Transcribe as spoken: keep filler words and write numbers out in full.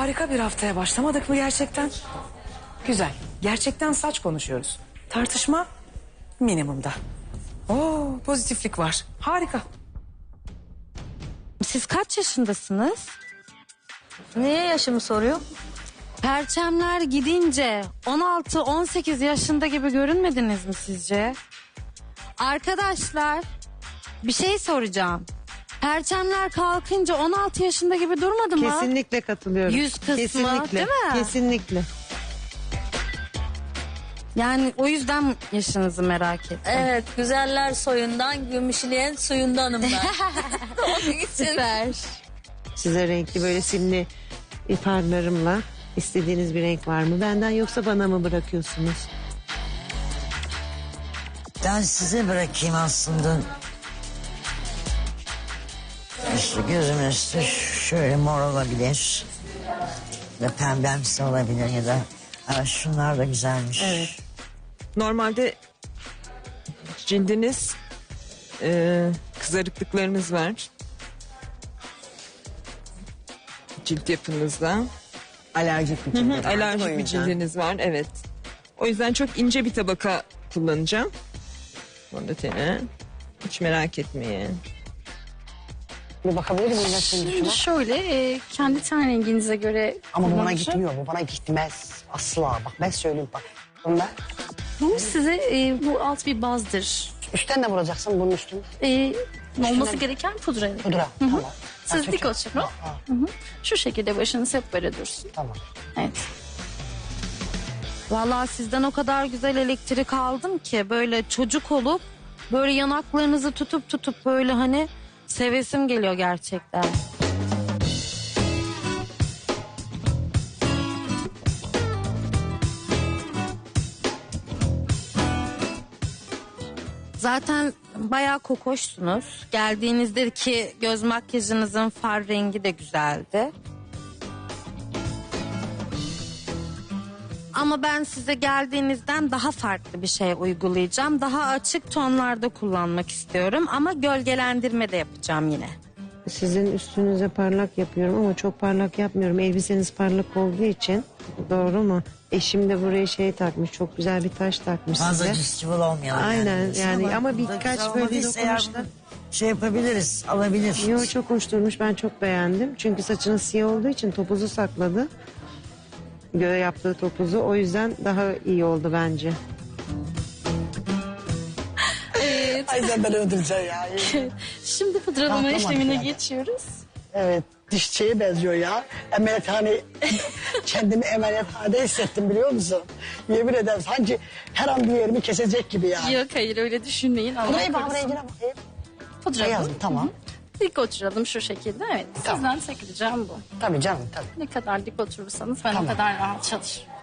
Harika bir haftaya başlamadık mı gerçekten? Güzel. Gerçekten saç konuşuyoruz. Tartışma minimumda. Oo, pozitiflik var. Harika. Siz kaç yaşındasınız? Niye yaşımı soruyor? Perçemler gidince on altı on sekiz yaşında gibi görünmediniz mi sizce? Arkadaşlar bir şey soracağım. Perçemler kalkınca on altı yaşında gibi durmadı mı? Kesinlikle katılıyorum. Yüz kısmı, Kesinlikle. değil mi? Kesinlikle. Yani o yüzden yaşınızı merak ettim. Evet, güzeller soyundan, gümüşleyen suyundanım ben. Onun için. Süper. Size renkli böyle simli farlarımla istediğiniz bir renk var mı benden, yoksa bana mı bırakıyorsunuz? Ben size bırakayım aslında. İşte gözümün üstü şöyle mor olabilir. Ya pembemsi olabilir ya da... Aa, şunlar da güzelmiş. Evet. Normalde cildiniz e, kızarıklıklarınız var. Cilt yapınızda. Alerjik bir Hı cildim hı, var, alerjik o bir yüzden. cildiniz var, evet. O yüzden çok ince bir tabaka kullanacağım. Fondöteni. Hiç merak etmeyin. Bir bakabilir miyim nasıl Şimdi düşünme? şöyle e, kendi ten renginize göre Ama bu bana kullanacağım. gitmiyor, bu bana gitmez. Asla, bak ben söyleyeyim bak. Bunda Bu size e, bu alt bir bazdır. üstten de vuracaksın bunun üstüne. E, olması gereken pudra. Pudra, tamam. Siz Ha, dik çok- oturun. Ha, ha, Hı hı. Şu şekilde başınız hep böyle dursun. tamam. Evet. Vallahi sizden o kadar güzel elektrik aldım ki böyle çocuk olup böyle yanaklarınızı tutup tutup böyle hani sevesim geliyor gerçekten. Zaten bayağı kokoşsunuz. Geldiğinizde ki göz makyajınızın far rengi de güzeldi. Ama ben size geldiğinizden daha farklı bir şey uygulayacağım. Daha açık tonlarda kullanmak istiyorum ama gölgelendirme de yapacağım yine. Sizin üstünüze parlak yapıyorum ama çok parlak yapmıyorum. Elbiseniz parlak olduğu için, doğru mu? Eşim de buraya şey takmış, çok güzel bir taş takmış Fazla size. cüstübül olmayalım. Aynen, yani ama bu da birkaç güzel böyle olmadıysa eğer dokunuşta- bunu şey yapabiliriz, alabilir. Yo, çok hoş durmuş, ben çok beğendim. Çünkü saçınız siyah olduğu için topuzu sakladı. Göğe yaptığı topuzu, o yüzden daha iyi oldu bence. Ay sen beni öldüreceksin ya. Şimdi pudralama Rahatlamadık işlemine yani. geçiyoruz. Evet, dişçiye benziyor ya. Ameliyathane, kendimi ameliyathanede hissettim biliyor musun? Yemin ederim sanki her an bir yerimi kesecek gibi ya. Yok hayır öyle düşünmeyin. Allah Burayı bak, korusun. rengine bakayım. Pudralı. Beyaz mı? Tamam. Dik oturalım şu şekilde. Evet. Tamam. Sizden tek ricam bu. Tabii canım, tabii. Ne kadar dik oturursanız ben Tamam. o kadar rahat çalışırım.